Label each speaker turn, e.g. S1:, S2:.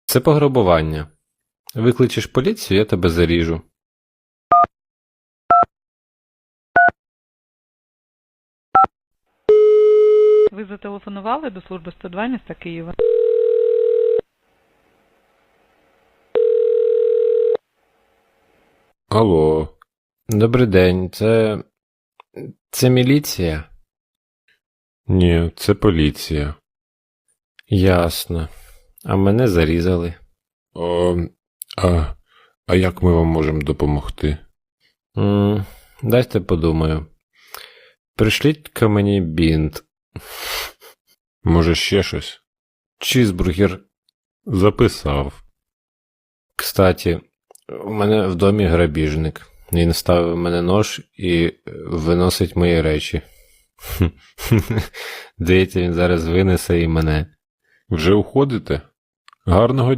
S1: Це пограбування. Викличеш поліцію, я тебе заріжу.
S2: Ви зателефонували до служби 102 міста Києва?
S1: Алло. Добрий день, це міліція? Ні, це поліція. Ясно. А мене зарізали. А як ми вам можемо допомогти? Дайте подумаю. Пришліть-ка мені бінт. Може ще щось? Чізбургер. Записав. Кстати, у мене в домі грабіжник. Він ставив в мене нож і виносить мої речі. Здається, він зараз винесе і мене. Вже уходите? Гарного